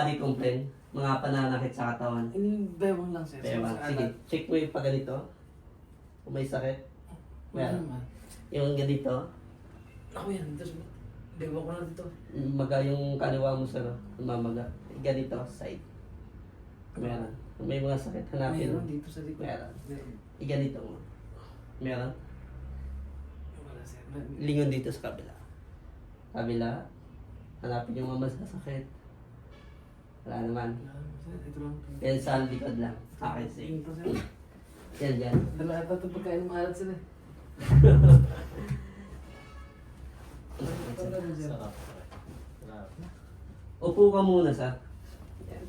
Ari complain, mga pananakit sa katawan. Bewang lang, sir. Bewang. Sige, check mo yung pa ganito. Kung may sakit. Wala Meron. naman. Yung ganito, Ako yan, dito. Bewang ko lang dito. maga yung kaliwa mo sir, mamaga. Ganito, side. Meron. Kung may mga sakit, hanapin mo. Mayroon dito sa likod. Meron. Meron. Ganito mo. Meron. Wala, sir. Lingon dito sa kabila. Kabila. Hanapin yung mga masasakit. Wala naman. Wala, sir. Ito lang. Yan sa likod lang. Okay, sige. Ito, sir. Yan, yan. Dala ata ito pagkain maalat sila. Sarap. Sarap. Upo ka muna, sir. Yan.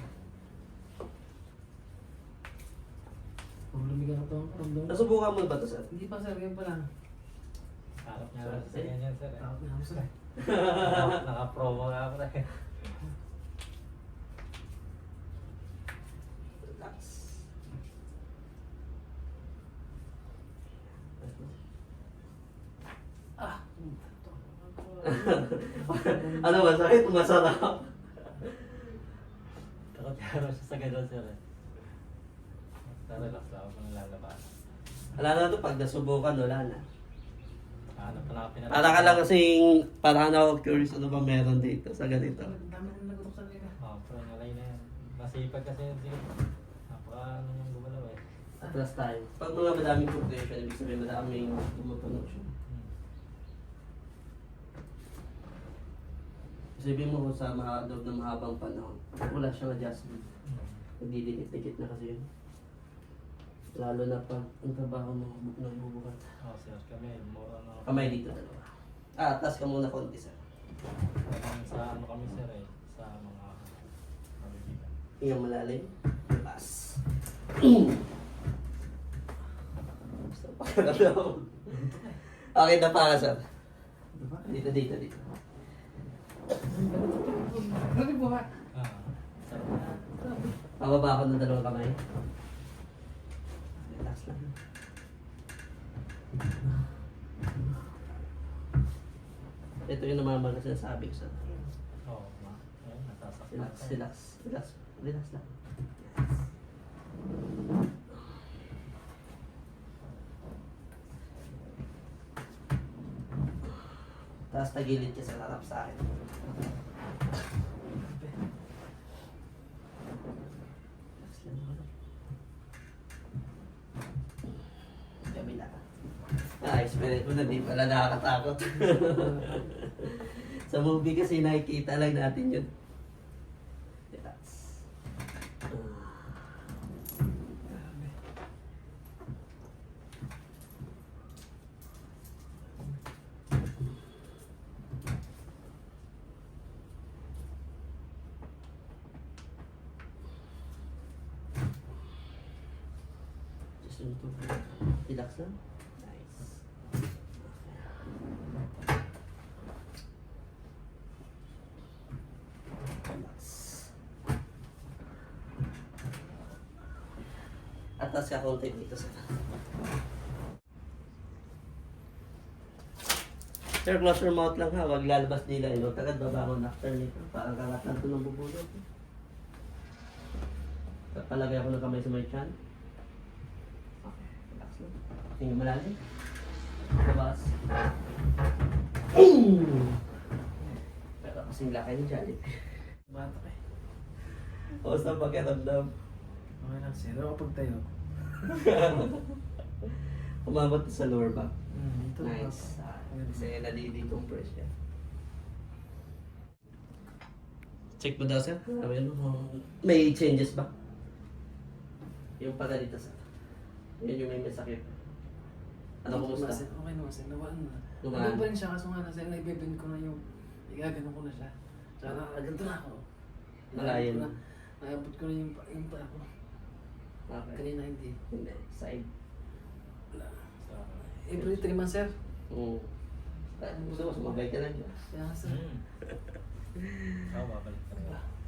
Ang lumigang ito ang ramdam. Nasubukan mo ba ito, sir? Hindi pa, sir. Yan pa lang. Harap niya lang sa ganyan, sir. Takot na ako, sir. Naka-promo nga ako na eh. Relax. Ah! Ano ba? Sakit? Masarap. Takot niya raw siya sa ganyan, sir. Relax lang ako kung lalabas. Wala na ito. Pag nasubukan, wala na. Hanap pa na ako pinatay. Para ka lang kasing, parang ako curious ano ba meron dito sa ganito. Ang dami kong nagutok sa nila. Oo, pero nalay na yan. Masipag kasi yun, sir. Napaka ano yung gumalaw eh. Atlas tayo. Pag mga madaming compression, ibig sabihin madaming tumutunog siya. Sabihin mo kung sa loob ng mahabang panahon, wala siyang adjustment. Nagdidikit-dikit na kasi yun. Lalo na pag ang trabaho mo nagbubukat. Oo, sir. Kami, more ano. Kamay dito dalawa. Atas ka muna konti sir. Parang sa ano kami, sir eh. Sa mga kabibigan. Iyong malalim. Relax. Basta pakakalaw. Okay na para sir. Dito, dito, dito. Bakit po ba? Ah, sarap na. Pababa ako ng dalawang kamay. Relax lang. Ito yung namamaga sinasabi ko sa Oo, ma. Ayun, nasasaktan. relax, relax, relax, relax lang. Tapos tagilid ka sa harap sa akin. Relax lang ako. Kabila. Experience ko na di pala nakakatakot. Sa movie kasi nakikita lang natin yun. Relax. Just yung to. Relax lang. Nice. Relax. Atas ka konti dito sa Sir, close your mouth lang ha. Huwag lalabas nila. Huwag kagad babangon after nito. Parang kakatan ito ng bubulot. Palagay ako ng kamay sa may chan. Okay, relax lang. Tingin malalim. Labas. Pero kasing laki ni Jollibee. Batak eh. O sa pakiramdam. Okay lang, sir. Ako pagtayo. Umabot sa lower back. Ito Nice. Kasi nadidecompress siya. Check mo daw sir. Sabi mo, may changes ba? Yung pala dito sir. Yun yung may masakit. Ano kumusta? Okay naman, sir. Nawaan na. Nawaan? Nandun pa rin siya, kaso nga na, sir, naibibend ko na yung, igagano ko na siya. Tsaka, ganito na ako. Malayan. Naabot ko na yung pa ako. Okay. Kanina hindi. Hindi. Side. Wala. Every 3 months, sir. Oo. Gusto mo sumabay ka lang dyan. Kaya, sir. Oo, babalik ka na.